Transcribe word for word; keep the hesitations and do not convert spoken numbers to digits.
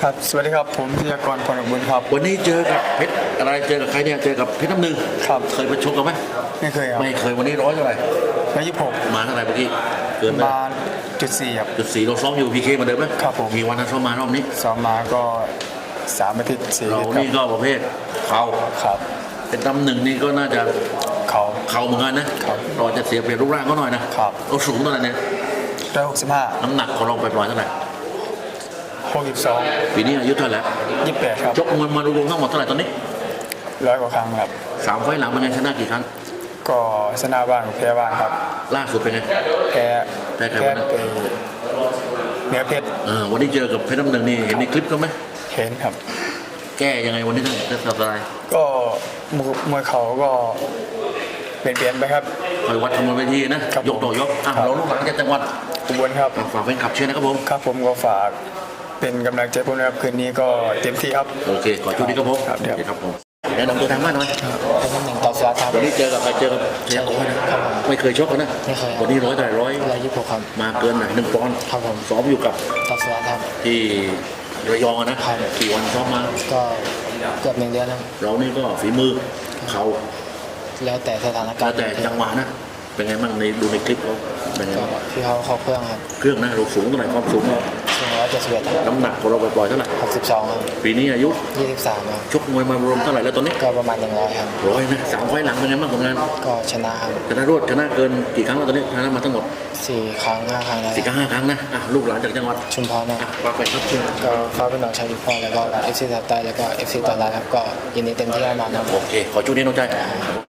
ครับสวัสดีครับผมธีรกรพรบุญครับวันนี้เจอกับเพชรอะไรเจอกับใครเนี่ยเจอกับเพชรน้ำหนึ่งครับเคยไปชกกันไหมไม่เคยครับไม่เคยวันนี้ร้อยเท่าไหร่ร้อยยี่สิบหกมาเท่าไหร่เมื่อกี้เกินไปมาจุดสี่ครับจุดสี่เราซ้อมอยู่พีเคเหมือนเดิมไหมครับผมมีวันนั้นซ้อมมารอบนี้ซ้อมมาก็สามอาทิตย์สี่เราอาทิตย์นี่ก็ประเภทเข่าครับเป็นตำหนึ่งนี่ก็น่าจะเขาเข่าเหมือนกันนะครับ เราจะเสียเปรียบรูปร่างเขาหน่อยนะครับ เราสูงเท่าไหร่เนี่ยร้อยหกสิบห้าน้ำหนักของเราไปปล่อยๆเท่าไหร่หกสิบสองปีนี้อายุเท่าไหร่แล้วยี่สิบแปดครับชกมวยมารวมๆทั้งหมดเท่าไหร่ตอนนี้ร้อยกว่าครั้งครับสามไฟล์หลังเป็นไงชนะกี่ครั้งก็ชนะบ้างแพ้บ้างครับล่าสุดเป็นไงแพ้แพ้ใครแพ้วะนะไปเหนือเพชรเออวันนี้เจอกับเพชรน้ำหนึ่งนี่เห็นในคลิปเขาไหมเห็นครับแก้ยังไงวันนี้ท่านจะทำอะไรก็มวยมวยเขาก็เปลี่ยนเปลี่ยนไปครับคอยวัดทำบนเวทีนะครับ ยกต่อยกอ่ะครับเราลูกหลานจากจังหวัดอุบลครับอ่ะฝากเป็นขับเชียร์นะครับผมครับผมก็ฝากเป็นกำลังใจผมนะครับคืนนี้ก็เต็มที่ครับโอเคขอชุดนี้ครับผมครับเดี๋ยวโอเคครับผมแนะนำตัวทางบ้านหน่อยเป็นตำแหน่งต่อสวัสดิ์ครับวันนี้เจอกับใครเจอกับเชียร์โอ้ยนะครับผมไม่เคยชกกันนะไม่เคยวันนี้ร้อยแต่ร้อยร้อยยี่สิบหกครับมาเกินหน่อยหนึ่งปอนด์ครับผมซ้อมอยู่กับต่อสวัสดิ์ครับที่ระยองอะนะครับ กี่วันซ้อมมาก็เกือบหนึ่งเดือนครับเรานี่ก็ฝีมือเขาแล้วแต่สถานกาแล้รวณ์แต่จังหวะนะเป็นไงบ้างในดูในคลิปเขาเป็นไงก็บ้างพี่เขาเขาเครื่องครับเครื่องนะเราสูงเท่าไหร่ความสูงเราสูงร้อยเจ็ดสิบเอ็ดน้ำหนักของเราปล่อยๆเท่าไหร่หกสิบสองครับปีนี้อายุยี่สิบสามครับชกมวยมารวมเท่าไหร่แล้วตอนนี้ก็ประมาณหนึ่งร้อยครับร้อยนะสามไฟล์หลังเป็นไงบ้างผลงานก็ชนะครับชนะรวดชนะเกินกี่ครั้งแล้วตอนนี้ชนะมาทั้งหมดสี่ครั้งห้าครั้งแล้วสี่กับห้าครั้งนะอ่ะลูกหลานจากจังหวัดชุมพรนะอ่ะฝากไปครับเชิญก็ฟ้าเป็นน้องชายทุกคนแล้วก็เอฟซีสายใต้แล้วก็เอฟซีตอนแรกครับก็ยินดีเต็มที่แน่นอนครับโอเค ขอจุดนี้น้องใจ